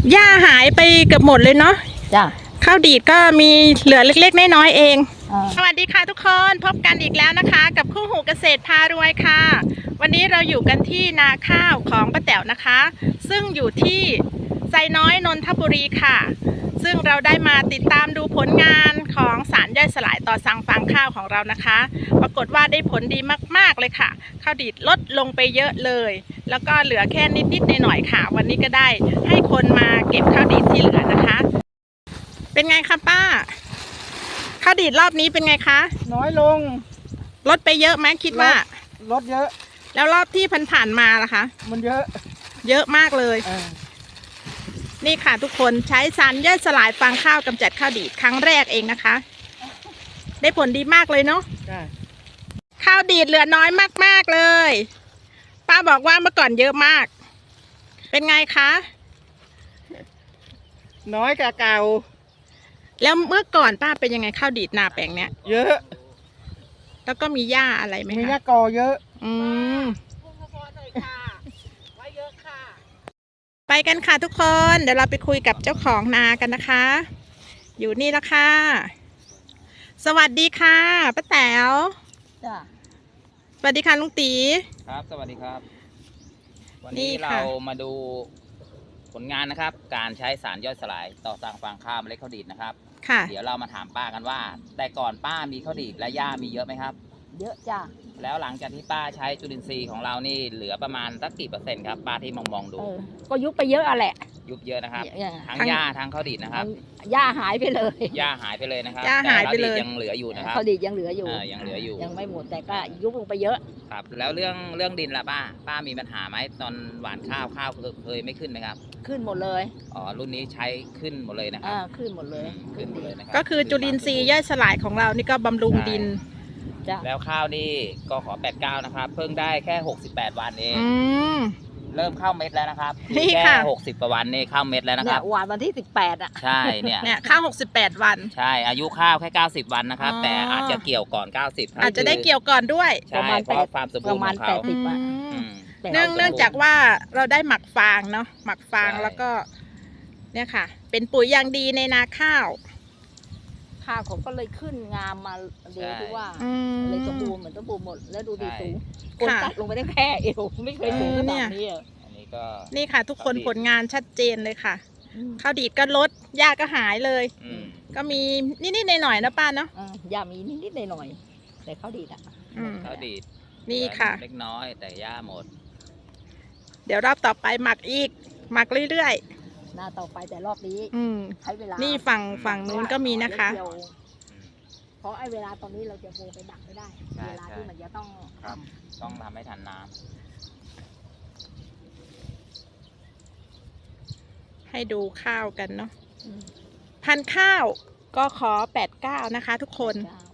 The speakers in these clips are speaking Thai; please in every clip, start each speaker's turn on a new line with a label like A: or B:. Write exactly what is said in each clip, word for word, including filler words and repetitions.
A: หญ้าหายไปเกือบหมดเลยเนาะ
B: จ้ะ
A: ข้าวดีดก็มีเหลือเล็กๆน้อยๆเอง
B: อ่า
A: สวัสดีค่ะทุกคนพบกันอีกแล้วนะคะ กับคู่หูเกษตรพารวยค่ะ วันนี้เราอยู่กันที่นาข้าวของป้าแต๋วนะคะ ซึ่งอยู่ที่ไซน้อยนนทบุรีค่ะ ซึ่งเราได้มาติดตามดูผลงานของสารย่อยสลายต่อสั่งฟางข้าวของเรานะคะ ปรากฏว่าได้ผลดีมากๆเลยค่ะข้าวดีดลดลงไปเยอะเลย แล้วก็เหลือแค่นิดๆหน่อยๆค่ะ วันนี้ก็ได้ให้คนมาเก็บข้าวดีดที่เหลือนะคะ เป็นไงคะป้าข้าวดีดรอบนี้เป็นไงคะ
C: น้อยลง
A: ลดไปเยอะไหมคิดว่า
C: ลดเยอะ
A: แล้วรอบที่ผ่านๆมาล่ะคะ
C: มันเยอะ
A: เยอะมากเลยนี่ค่ะทุกคนใช้สารย่อยสลายฟางข้าวกำจัดข้าวดีดครั้งแรกเองนะคะได้ผลดีมากเลยเนาะข้าวดีดเหลือน้อยมากๆเลยป้าบอกว่าเมื่อก่อนเยอะมากเป็นไงคะ
C: น้อยกว่าเก่า
A: แล้วเมื่อก่อนป้าเป็นยังไงข้าวดีดนาแปลงเนี้ย
C: เยอะ
A: แล้วก็มีหญ้าอะไรไหมคะ
C: มีหญ้ากอเยอะ
A: อืมไปกันค่ะทุกคนเดี๋ยวเราไปคุยกับเจ้าของนากันนะคะ อยู่นี่แล้วค่ะสวัสดีค่ะป้าแต๋ว
B: จ้ะ
A: สวัสดีค่ะลุงตี
D: ครับสวัสดีครับวันนี้เรามาดูผลงานนะครับการใช้สารย่อยสลายต่อสั่งฟางข้าวเมล็ดข้าวดีดนะครับ
A: ค่ะ
D: เดี๋ยวเรามาถามป้ากันว่า แต่ก่อนป้ามีข้าวดีดและหญ้ามีเยอะไหมครับ
B: เยอะจ้ะ
D: แล้วหลังจากที่ป้าใช้จุลินทรีย์ของเรานี่เหลือประมาณสักกี่เปอร์เซ็นต์ครับป้าที่มองมองดู
B: ก็ยุบไปเยอะอะแหละ
D: ยุบเยอะนะครับทั้งหญ้าทั้งข้าวดีดนะครับ
B: หญ้าหายไปเลย
D: หญ้าหายไปเลยนะครับ
A: หญ้าหายไปเลย
D: ยังเหลืออยู่นะครับ
B: ข้าวดีดยังเหลืออยู่
D: ยังเหลืออยู่
B: ยังไม่หมดแต่ก็ยุบลงไปเยอะ
D: ครับแล้วเรื่องเรื่องดินล่ะป้าป้ามีปัญหาไหมตอนหว่านข้าวข้าวเคยไม่ขึ้นไหมครับ
B: ขึ้นหมดเลย
D: อ๋อรุ่นนี้ใช้ขึ้นหมดเลยนะครับ
B: ขึ้นหมดเลย
D: ขึ้นหมดเลยนะครับ
A: ก็คือจุลินทรีย์ย่อยสลายของเรานี่ก็บำรุงดิน
D: แล้วข้าวนี่ก็ขอแปดเก้านะครับเพิ่งได้แค่หกสิบแปดวันเองเริ่มเข้าเม็ดแล้วนะครับ
A: นี่
D: ค่ะหกสิบกว่าวันนี่เข้าเม็ดแล้วนะครับ
B: หวานวันที่สิบแปดอ่ะ
D: ใช่เนี่ย
A: เนี่ยข้าวหกสิบแปดวัน
D: ใช่อายุข้าวแค่เก้าสิบวันนะครับแต่อาจจะเกี่ยวก่อนเก้าสิบ
A: อาจจะได้เกี่ยวก่อนด้วย
D: ใช่เพราะความสมบูรณ์ของเขา
A: เนื่องเนื่องจากว่าเราได้หมักฟางเนาะหมักฟางแล้วก็เนี่ยค่ะเป็นปุ๋ยอย่างดีในนาข้าว
B: ข้าวผมก็เลยขึ้นงามมาเดียวที่ว่าเลยสมบูรณ์เหมือนสมบูรณ์หมดแล้วดูดีสูงคนตัดลงไปได้แค่เอวไม่เคยสูงขนาดนี้
D: อันนี้ก็
A: นี่ค่ะทุกคนผลงานชัดเจนเลยค่ะข้าวดีดก็ลดหญ้าก็หายเลยก็มีนิดๆหน่อยๆนะป้าเนาะ
B: หญ้ามีนิดๆหน่อยๆแต่ข้าวดีดอ่ะ
D: ข้าวดีด
A: นี่ค่ะ
D: เล็กน้อยแต่หญ้าหมด
A: เดี๋ยวรอบต่อไปหมักอีกหมักเรื่อย
B: ๆหน้าต่อไปแต่รอบนี้ใช้เวลา
A: นี่ฝั่งฝั่งนู้นก็มีนะคะ
B: เพราะไอ้เวลาตอนนี้เราจะโบไปดักไม่ได้เวลาที่มันจะต้อง
D: ต้องทำให้ทันน้
A: ำให้ดูข้าวกันเนาะพันข้าวก็ขอแปดเก้านะคะทุกคน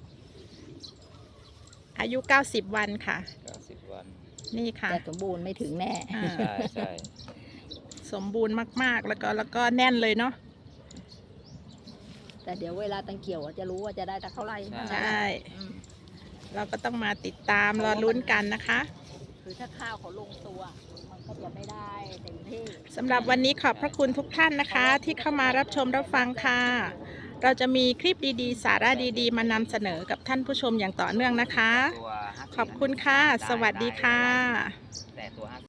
A: อายุเก้าสิบวันค่ะ
D: เก้าสิบวัน
A: นี่ค่ะ
B: แต่สมบูรณ์ไม่ถึงแน่
D: ใช่ใช่
A: สมบูรณ์มากๆแล้วก็แล้วก็แน่นเลยเนาะ
B: แต่เดี๋ยวเวลาตังเกี่ยวจะรู้ว่าจะได้เท่าไหร่
A: ใช่เราก็ต้องมาติดตามรอลุ้นกันนะคะ
B: คือถ้าข้าวเขาลงตัวมันก็จะไม่ได้เต็มที่
A: สำหรับวันนี้ขอบพระคุณทุกท่านนะคะที่เข้ามารับชมรับฟังค่ะเราจะมีคลิปดีๆสาระดีๆมานำเสนอกับท่านผู้ชมอย่างต่อเนื่องนะคะขอบคุณค่ะสวัสดีค่ะ